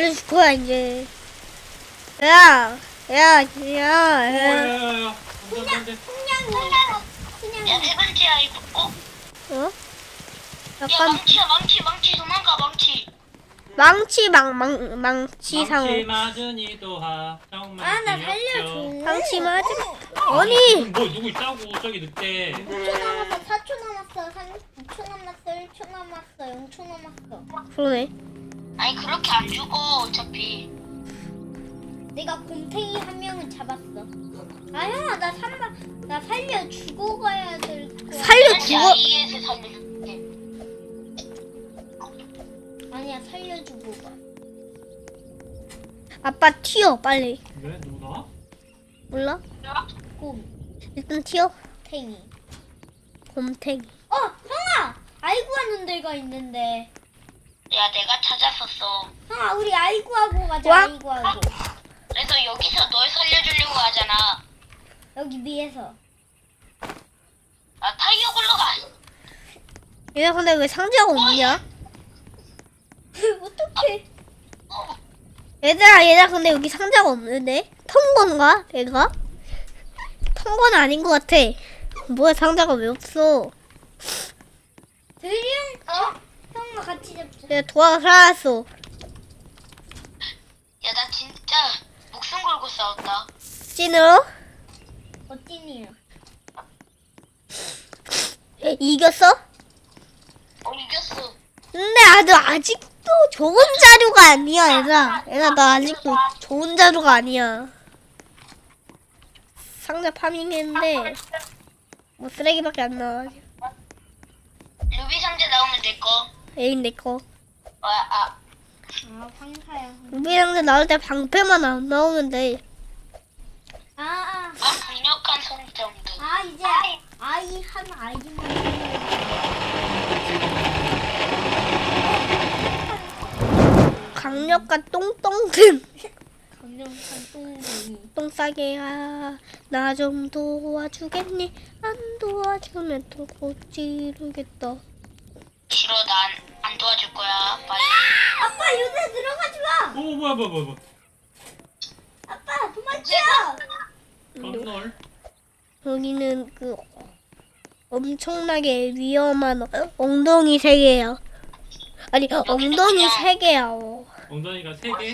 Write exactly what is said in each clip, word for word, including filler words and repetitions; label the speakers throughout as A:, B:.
A: 알려줄 거야 이제. 야, 야, 야, 야.
B: 야야야야.
C: 그냥
B: 안돼 안돼.
C: 그냥 그냥
D: 야, 세 번째 아이고. 어?
A: 어?
D: 야,
A: 약간
D: 망치야, 망치, 망치, 도망가, 망치.
A: 망치 망 망 망치 상어.
B: 망치 맞으니 또하. 정말
C: 아 나
B: 귀엽죠.
C: 살려줘.
A: 망치 맞아.
C: 어.
A: 아니.
B: 뭐 누구 있다고 저기 늑대.
C: 오 초 남았어. 사 초 남았어. 삼 초 남았어. 일 초 남았어. 영 초 남았어.
A: 그러네.
D: 아니, 그렇게 안 죽어, 어차피.
C: 내가 곰탱이 한 명은 잡았어. 아 형아 나 삼바 나 살려 죽어가야 될 거야.
A: 살려
D: 다시
A: 죽어.
D: 아이에서 살려줄게.
C: 아니야 살려주고 가.
A: 아빠 튀어 빨리.
B: 왜 누가?
A: 몰라?
C: 곰탱이.
A: 일단 튀어. 곰탱이.
C: 어 형아 아이고 하는 데가 있는데.
D: 야, 내가 찾았었어.
C: 형아 우리 아이고 하고 가자.
A: 와.
C: 아이고 하고.
D: 그래서 여기서 널 살려주려고 하잖아.
C: 여기 위에서.
D: 아, 타이어 굴러가.
A: 얘네 근데 왜 상자가 없냐?
C: 어떡해.
D: 어,
A: 얘들아 얘들아 근데 여기 상자가 없는데? 턴 건가? 얘가? 턴 건 아닌 것 같아. 뭐야 상자가 왜 없어?
C: 드림 어? 형아 같이 잡자.
A: 내가 도화가 살아났어.
D: 야, 나 진짜 목숨 걸고 싸웠다.
A: 찐으로?
C: 어찌니요?
A: 이겼어?
D: 어, 이겼어.
A: 근데 아주 아직도 좋은 자료가 아니야 얘들아. 얘들아 나 아직도 좋은 자료가 아니야. 상자 파밍했는데 뭐 쓰레기밖에 안 나와.
D: 루비 상자 나오면 내 거.
A: 에인 내거.
D: 아, 아,
C: 아 황사야.
A: 우리 상자 나올 때 방패만 안 나오면 돼.
C: 아 아.
D: 아, 강력한 성정도.
C: 아 이제 아이 한 아이만.
A: 강력한 똥똥등.
C: 강력한 똥쟁이.
A: 똥 싸게야. 나 좀 도와주겠니? 안 도와주면 또 고지르겠다.
D: 싫어, 난 안 도와줄 거야. 빨리.
C: 아빠 요새 들어가지 마.
B: 오 뭐야 뭐야 뭐야.
C: 아빠 도망쳐.
B: 건널.
A: 여기는 그 엄청나게 위험한 어- 엉덩이 세 개야. 아니 엉덩이 세 개야. 어.
B: 엉덩이가 세 개.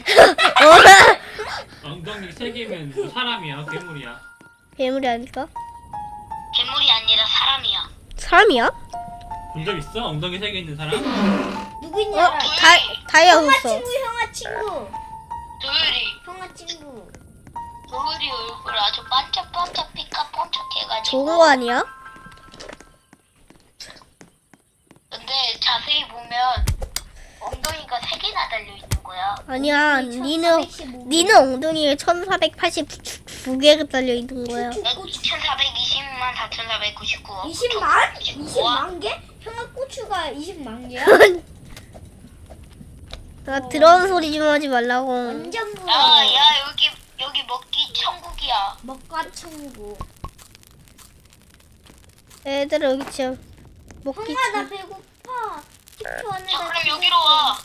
B: 엉덩이 세 개면 뭐 사람이야 괴물이야.
A: 괴물이 아닐까?
D: 괴물이 아니라 사람이야.
A: 사람이야?
B: 본 적 있어? 엉덩이 세 개 있는 사람?
C: 누구냐?
A: 어? 다 다이아
C: 형아
A: 없어.
C: 친구 형아 친구.
D: 도율이,
C: 형아 친구.
D: 도율이 얼굴 아주 반짝반짝 빛깔 번쩍해가지고.
A: 좋은 거 아니야?
D: 근데 자세히 보면 엉덩이가 세 개나 달려 있는 거야.
A: 아니야. 니는 니는 엉덩이에 천사백팔십구 개가 달려 있는 거야.
D: 난 이천사백이십만 사천사백구십구.
C: 이십만? 이십만 개? 형아 고추가 이십만 개야?
A: 나 들어온 소리 좀 하지 말라고.
C: 완전 부러워.
D: 야, 야, 여기 여기 먹기 천국이야.
C: 먹과 천국.
A: 애들아 여기 진짜 먹기
C: 형아 나
A: 참.
C: 배고파. 식초 안에
D: 야, 그럼 여기로 와.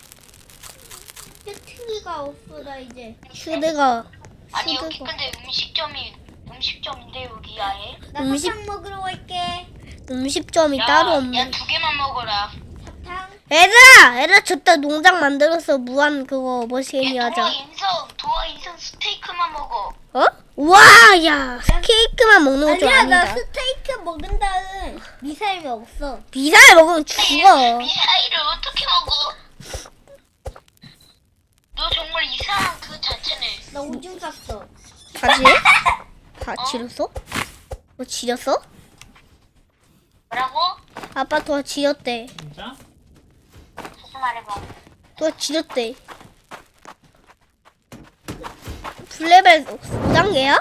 C: 배트리가 없어 나 이제.
A: 휴대가
D: 아니 여기
A: 휴대가
D: 근데 음식점이 음식점인데 여기 아예.
C: 나
A: 음식-
C: 사탕 먹으러 갈게.
A: 음식점이
D: 야,
A: 따로
D: 야,
A: 없네.
D: 두 개만 먹어라.
C: 사탕.
A: 애들아, 애들아 저따 농장 만들어서 무한 그거 머시기
D: 야, 도화
A: 하자.
D: 인성, 도화 인성 스테이크만 먹어.
A: 어? 우와, 야 케이크만 먹는 거 좀
C: 아니야 나
A: 아니다.
C: 스테이크 먹은 다음 미사일 없어.
A: 비살 먹으면 죽어.
D: 미사일을 어떻게 먹어? 너 정말 이상한 그 자체네.
C: 나 오줌 쌌어.
A: 다지? 다 지렸어? 뭐 지렸어?
D: 뭐라고?
A: 아빠 도와 지렸대.
B: 진짜?
D: 무슨 말해봐.
A: 도와 지렸대. 블레벨 오 단계야?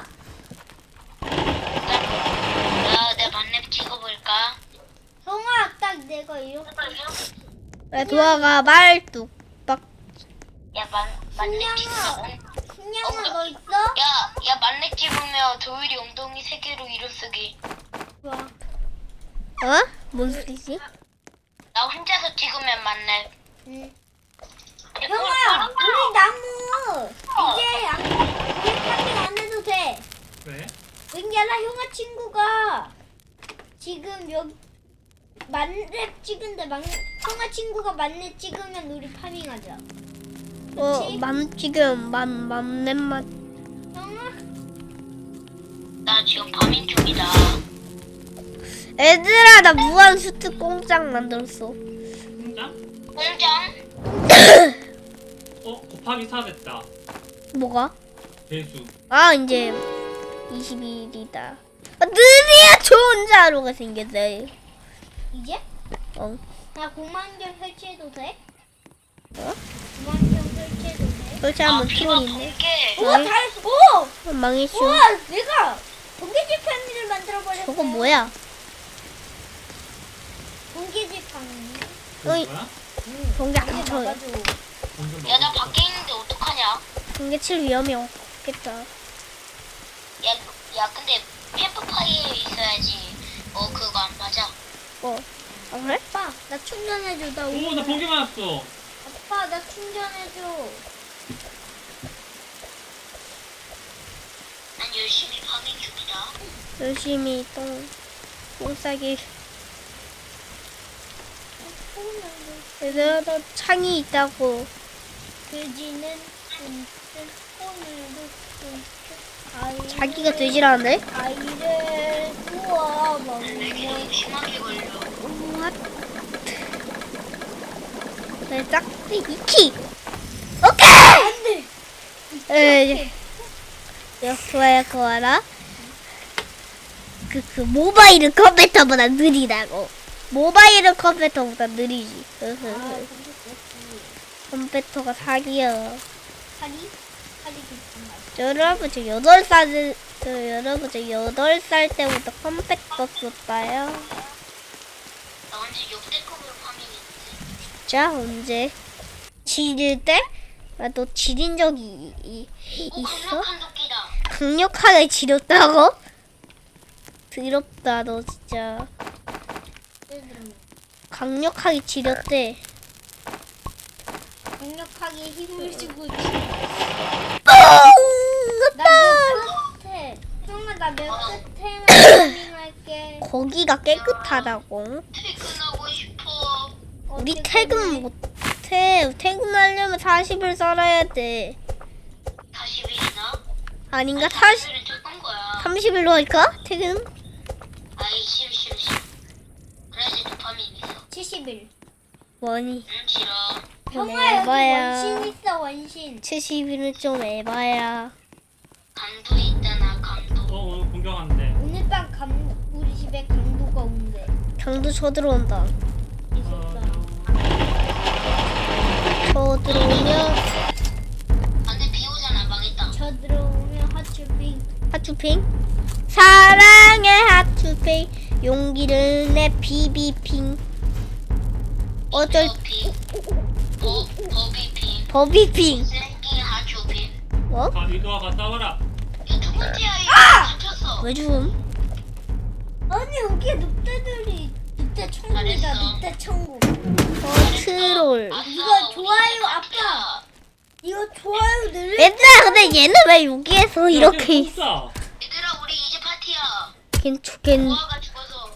D: 야, 내 만렙 찍어볼까?
C: 형아 딱 내가 이렇게
A: 내 도화가 말뚝박.
D: 야, 만 만렙
C: 신냥아.
D: 찍어.
C: 신냥아 너 있어?
D: 야, 야, 만렙 찍으면 도율이 엉덩이 세 개로 이름 쓰기.
C: 좋아.
A: 어? 뭔 소리지?
D: 나 혼자서 찍으면 만렙.
C: 응.
D: 야,
C: 형아 우리 나무 친구가 지금 여기 만렙 찍은데 만 형아 친구가 만렙 찍으면 우리 파밍하자.
A: 어,
C: 그치?
A: 맘 지금 맘 맘넷맛.
C: 형아
D: 나 지금 파밍 중이다.
A: 얘들아, 나 무한 수트 공장 만들었어.
B: 공장?
D: 공장?
B: 어 곱하기 사 됐다.
A: 뭐가?
B: 배수.
A: 아, 이제 이십 일이다. 아, 드디어 좋은 자루가 생겼어요.
C: 이제
A: 어.
C: 나 공만경 설치해도 돼?
A: 어?
C: 공만경 설치해도 돼?
A: 설치하면
D: 비가
A: 트롤 있네.
D: 번개.
C: 오
A: 어이?
C: 잘했어. 오!
A: 어, 망했슈.
C: 우와 내가 번개집 파밍을 만들어 버렸어.
A: 저거 뭐야?
C: 번개집 파밍.
A: 어이.
B: 뭐야?
A: 번개 안
C: 이게
A: 쳐요.
C: 막아줘.
B: 공장
D: 야, 나
B: 먹었다.
D: 밖에 있는데 어떡하냐?
A: 번개 칠 위험이 없겠다.
D: 야, 야, 근데 캠프파이어에 있어야지. 어, 그거 안 맞아.
A: 어. 아, 그래?
C: 아빠 나 충전해줘. 나
B: 오, 나 번개 맞았어.
C: 아빠 나 충전해줘.
D: 난 열심히 파밍 중이다.
A: 열심히 똥, 똥 싸기. 얘들아, 너 창이 있다고.
C: 돼지는 뜬뜬 오늘도 뜬뜬
A: 자기가 되지라는데?
C: 아이를 구워
D: 내게
C: 먹네.
D: 너무 심하게 걸려.
A: What? 네, 짝대 이키. 오케이. 에, 야, 좋아요, 그거라. 그, 그, 모바일은 컴퓨터보다 느리다고. 모바일은 컴퓨터보다 느리지.
C: 아,
A: 흐흐흐. 컴퓨터가 사기야.
C: 파리? 파리 비슷한 말.
A: 저 여러분, 저 여덟 살, 저 여러분, 저 여덟 살 때부터 컴퓨터 썼다요.
D: 나 완전 역대급으로 파밍했는데.
A: 진짜 언제? 지릴 때? 아, 너 지린 적이 이, 이,
D: 오,
A: 있어?
D: 강력한 도끼다.
A: 강력하게 지렸다고? 더럽다, 너 진짜. 강력하게 지렸대.
C: 강력하게 힘을 주고 있어.
A: 뻥!
C: 나몇 끝에 형아 나 몇 끝에만 파밍할게.
A: 거기가 깨끗하다고.
D: 퇴근하고 싶어.
A: 우리
C: 어떻게
A: 퇴근
C: 해?
A: 못해. 퇴근하려면 사십 일 살아야 돼.
D: 사십 일이나?
A: 아닌가? 사십,
D: 일은 적은 거야.
A: 삼십 일로 할까? 퇴근?
D: 아이, 싫어, 싫어, 싫어. 그래야지 도파민 있어.
C: 칠십 일.
A: 뭐니?
D: 응, 싫어.
C: 형아 여기
A: 에바야.
C: 원신 있어 원신.
A: 칠십 일은 좀 에바야.
D: 강도 있잖아, 강도.
B: 어 오늘 공격한대.
C: 오늘 밤 감, 우리 집에 강도가 온대.
A: 강도 쳐들어온다.
C: 있었어.
A: 쳐들어오면
D: 안돼, 비 오잖아, 망했다.
C: 저 들어오면 하츄빙.
A: 하츄핑. 사랑해 하츄핑. 용기를 내 비비핑. 어쩔
D: 비 버, 버비핑.
A: 버비핑.
D: 생긴 하초핑.
A: 뭐?
B: 가 이도아가 싸워라.
D: 야, 두 번째야, 이거 잡혔어.
A: 왜 죽음?
C: 아니 여기에 늑대들이 늑대 천국이다.
D: 잘했어.
C: 늑대 천국.
A: 어 트롤.
D: 아싸,
C: 이거
D: 우리
C: 좋아요,
D: 이제
C: 아빠.
D: 파티야.
C: 이거 좋아요 늘려.
A: 얘들아 근데 얘는 왜 여기에서 이렇게 있어?
B: 있어.
D: 얘들아, 우리 이제 파티야.
A: 괜찮겠.
D: 보아가 죽어서.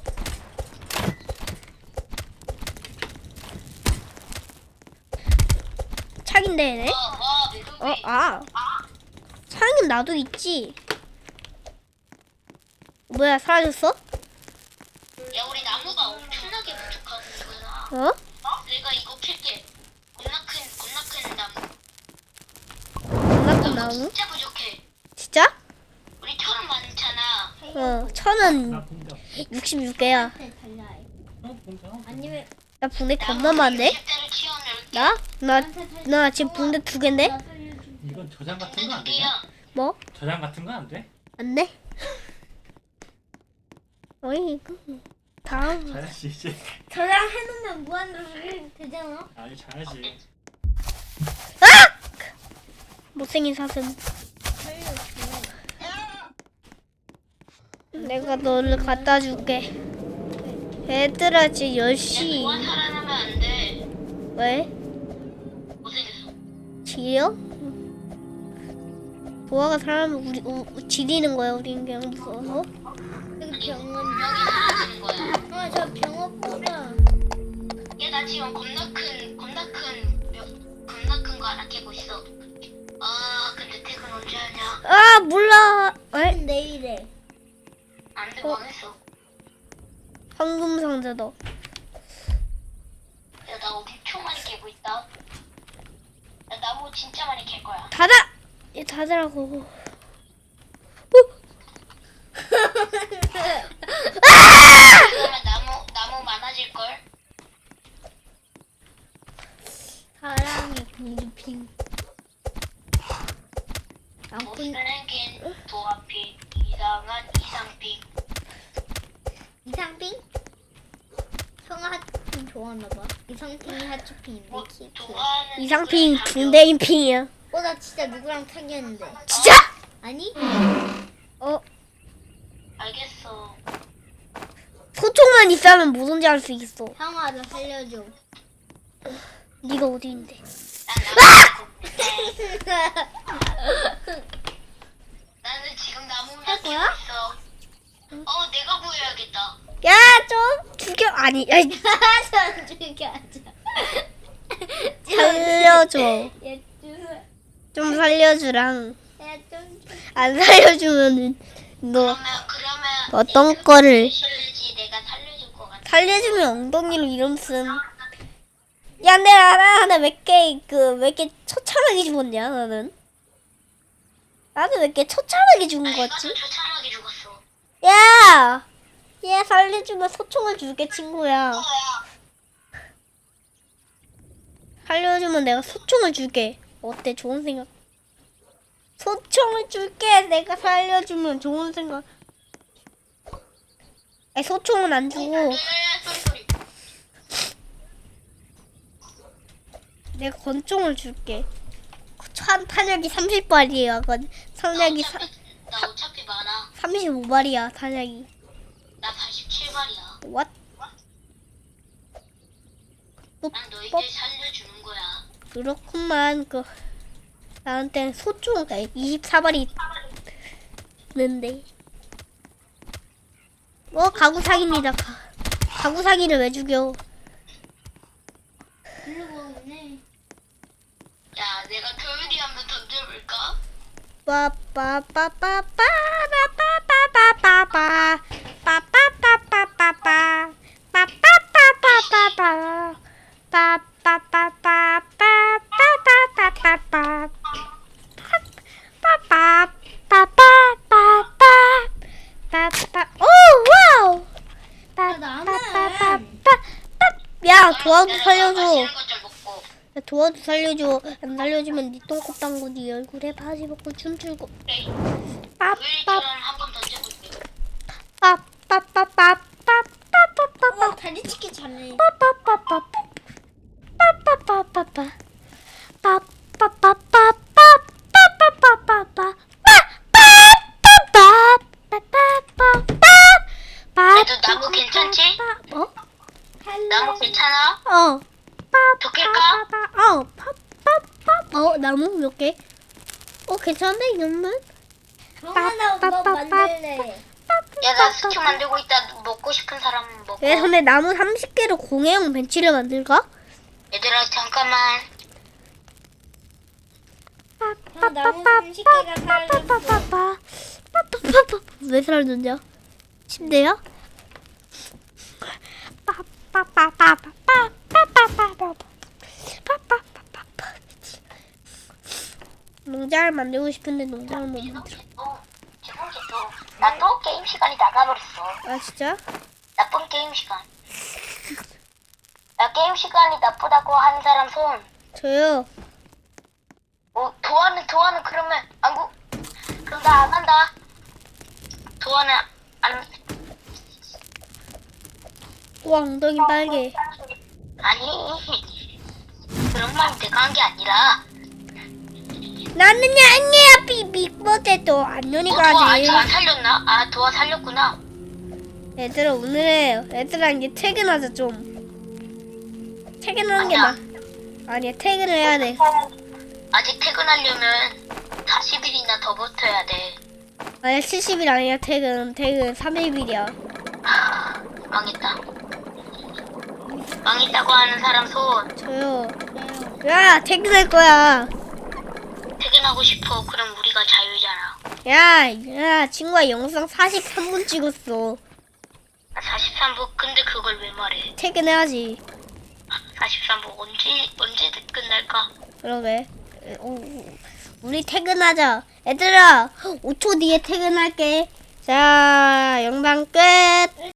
A: 창인데 얘네?
D: 와, 와, 매듭이.
A: 어 아. 창은 나도 있지. 뭐야 사라졌어?
D: 야, 우리 나무가 엄청나게 부족하구나.
A: 어?
D: 내가 이거 캘게. 겁나 큰, 겁나 큰 나무.
A: 장난감
D: 나무
A: 나무?
D: 진짜 부족해.
A: 진짜?
D: 우리 철은 많잖아.
A: 어 천은
B: 나 공격.
A: 육십육 개야.
C: 달라.
B: 어 공격.
C: 아니면
A: 나 붕대 겁나 많네?
D: 육십 대를 키우면
A: 나? 나, 나 지금 붕대 두 개인데?
C: 나 살려줘.
B: 이건 저장 같은
D: 근데
B: 거 안
D: 두
B: 되냐?
D: 개야.
A: 뭐?
B: 저장 같은 거 안 돼?
A: 안 돼? 어이 이거 다음
B: 잘하지 이제.
C: 저랑 해놓으면 무한으로 되잖아.
B: 아니 잘하지.
A: 못생긴 사슴.
C: 살려줘.
A: 내가 너를 갖다 줄게. 얘들아 지금 열 시.
D: 보아 살아나면 안 돼.
A: 왜?
D: 못생겼어.
A: 지려? 보아가 사람을 우리 우, 지리는 거야 우린 그냥 무서워서.
C: 여기 병원.
D: 여기 사라지는 거야.
C: 아, 저 병원 보자.
D: 얘 나 지금 겁나 큰 겁나 큰 몇- 겁나 큰 거 하나 깨고 있어. 아 근데 퇴근 언제 하냐?
A: 아 몰라. 에?
C: 내일에.
D: 안돼
A: 어?
D: 망했어.
A: 황금 상자다.
D: 야 나 엄청 많이 깨고 있다. 나 나무 진짜 많이 캘 거야.
A: 닫아. 얘 닫으라고.
D: 그러면 나무 나무 많아질 걸.
C: 사랑의 공주핑. 아, 군
D: 못생긴 도화핑 이상한 이상핑.
C: 이상핑? 형아 핫핑 좋아하나 봐. 이상핑이 핫핑인데
D: 뭐
C: 키.
D: 좋아하는
A: 이상핑
D: 누구랑 사귀어?
A: 중대인 핑이야.
C: 어, 나 진짜 누구랑 사귀었는데.
A: 진짜?
C: 아니?
A: 어
D: 알겠어.
A: 소총만 있으면 뭐든지 할 수 있어.
C: 형아, 나 살려줘.
A: 네가 어디인데?
D: 난 나무 나는 지금 나무만
C: 할
D: 캐고
C: 거야?
D: 있어. 어 내가 보여야겠다.
A: 야 좀 죽여. 아니 야,
C: 전 죽여줘.
A: 살려줘.
C: 얘 좀.
A: 좀 살려주랑.
C: 얘좀
A: 안 살려주면은 너
D: 그러면 그러면
A: 어떤
D: 얘
A: 거를
D: 실례지 내가 살려줄 것 같아.
A: 살려주면 엉덩이로 이름 쓴. 야, 내가 하나 하나 몇 개 그 몇 개 처참하게 죽었냐 나는? 나는 몇 개 처참하게 죽은
D: 나
A: 거지?
D: 이것도 처참하게 죽었어.
A: 야, 얘 살려주면 소총을 줄게 친구야. 살려주면 내가 소총을 줄게. 어때? 좋은 생각. 소총을 줄게. 내가 살려주면 좋은 생각. 아니, 소총은 안 주고
D: 네, 소리 소리.
A: 내가 권총을 줄게. 한 탄약이 삼십 발이야. 탄약이 사,
D: 나 어차피 많아.
A: 삼십오 발이야. 탄약이.
D: 나 팔십칠 발이야.
A: What? 너
D: 난 너희들
A: 뻑.
D: 살려주는 거야.
A: 그렇구만. 그 나한테 소총 이십사 발이 있는데. 어 가구 사기입니다. 가, 가구 사기를 왜 죽여?
C: 이러고 있네.
D: 야, 내가 조용히 한번 던져볼까?
A: 빠빠빠빠빠빠빠빠빠빠빠 빠빠빠빠빠빠 빠빠빠빠빠빠 빠빠빠빠빠빠빠빠빠 빠빠빠빠빠빠 오 와우 빠빠빠빠빠 야 도와도 살려줘.
D: 맛있는 것좀 먹고.
A: 야, 도와도 살려줘. 안 살려주면 네 똥꼬 땅고 네 얼굴에 바지 벗고 춤추고
D: 그래.
A: 빠빠
D: 우리처럼 한번 던져볼게.
A: 빠빠빠빠빠빠빠빠빠
C: 어, 다리치기 잘해.
A: 빠빠빠빠빠 빠빠빠빠빠 빠빠빠빠빠빠빠빠빠빠
D: 그래도 나무 괜찮지?
A: 어?
D: 나무 괜찮아?
A: 어.
D: 더 캘까?
A: 어. 빠빠빠. 어, 나무 몇 개? 어, 괜찮네, 이 정도면.
C: 형아, 나뭐 만들래.
D: 야, 나 스튜 만들고 있다. 먹고 싶은 사람 먹고.
A: 야, 근데 나무 삼십 개로 공예용 벤치를 만들까?
D: 얘들아, 잠깐만.
C: 형, 나무 삼십 개가 살렸어.
A: 빠빠빠빠빠빠빠빠빠. 왜 사라졌냐? 침대야? 빠빠빠빠빠빠빠빠빠빠빠빠빠빠빠. 농장을 만들고 싶은데 농장을 못 만들어.
D: 죄송해도 나 또 게임 시간이 나가버렸어.
A: 아 진짜?
D: 나쁜 게임 시간. 나 게임 시간이 나쁘다고 하는 사람 손.
A: 저요.
D: 어, 도와는 도와는 그러면 안 구. 그럼 나 안 한다. 도와는 안.
A: 와 엉덩이 빨개.
D: 아니. 그런 말 내가 한 게 아니라.
A: 나는 아니야 빅버tet도
D: 어,
A: 안녕히가
D: 도와
A: 지
D: 아직 안 살렸나? 아, 도와 살렸구나.
A: 얘들아 오늘 얘들아 이제 퇴근하자 좀. 퇴근하는 게
D: 아니야.
A: 나. 아니야 퇴근을 해야 돼.
D: 아직 퇴근하려면 사십 일이나 더 버텨야 돼.
A: 아니 칠십 일 아니야. 퇴근 퇴근 삼십 일이야.
D: 하, 망했다. 망했다고 하는 사람 손.
A: 저요. 야 퇴근할 거야.
D: 퇴근하고 싶어. 그럼 우리가 자유잖아.
A: 야, 야 친구야 영상 사십삼 분 찍었어.
D: 사십삼 분 근데 그걸 왜 말해?
A: 퇴근해야지.
D: 사십삼 분 언제 언제 끝날까?
A: 그러게. 어, 우리 퇴근하자. 얘들아 오 초 뒤에 퇴근할게. 자 영상 끝.